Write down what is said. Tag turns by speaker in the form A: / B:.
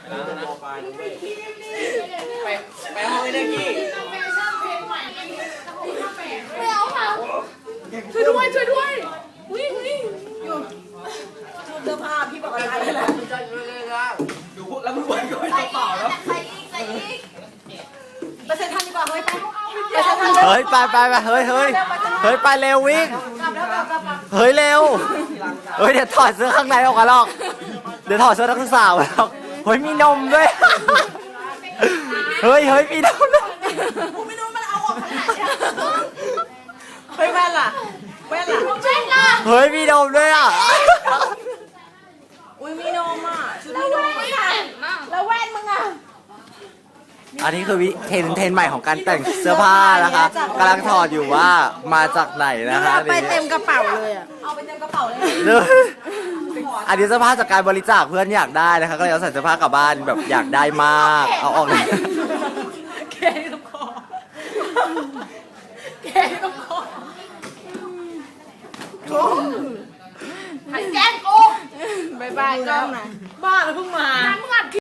A: ไปห้องไอ้เด็กกี้
B: ไม่เอาค่ะช่วยด้วยวิ่งอยู่ชุดเสื้อผ้าพี่บอกอะไรเลย
A: ดูพวกแล้วมึงไหวก่อนเปล่าแล้ว
B: ใส่อีกไปเซ็นทรัลดีกว่าเฮ้ยไป
C: เฮ้ยไปเฮ้ยไปเร็ววิ่ง
B: กลับแล้วกลับ
C: เฮ้ยเร็วเฮ้ยเดี๋ยวถอดเสื้อข้างในออกมาหรอกเดี๋ยวถอดเสื้อนักศึกษาออกมาหรอกเฮ้ยมีนมด้วยเฮ้ยมีนมด้วย
B: กูไม่รู้มันเอาออกขนาดนี้เฮ้ยแว่นล่ะเ
C: เฮ้ยมีนมด้วยอ่ะ
B: อุ้ยมีนมอ่ะชุดมีนมแล้วแว่นมึงอ่ะ
C: อันนี้คือเทรนด์ใหม่ของการแต่งเสื้อผ้านะคะกำลังถอดอยู่ว่ามาจากไหนนะคะ
B: ไปเต็มกระเป๋าเลยอ่ะเอาไปเต็มกระเป๋าเลย
C: อันนี้เสื้อผ้าจากการบริจาคเพื่อนอยากได้นะคะก็เลยเอาใส่เสื้อผ้ากลับบ้านแบบอยากได้มากเอาออกเลย
B: แกที่ต้องคอหันแก้มกูบายกล้องหน่อยบ้าแล้วเพิ่งมา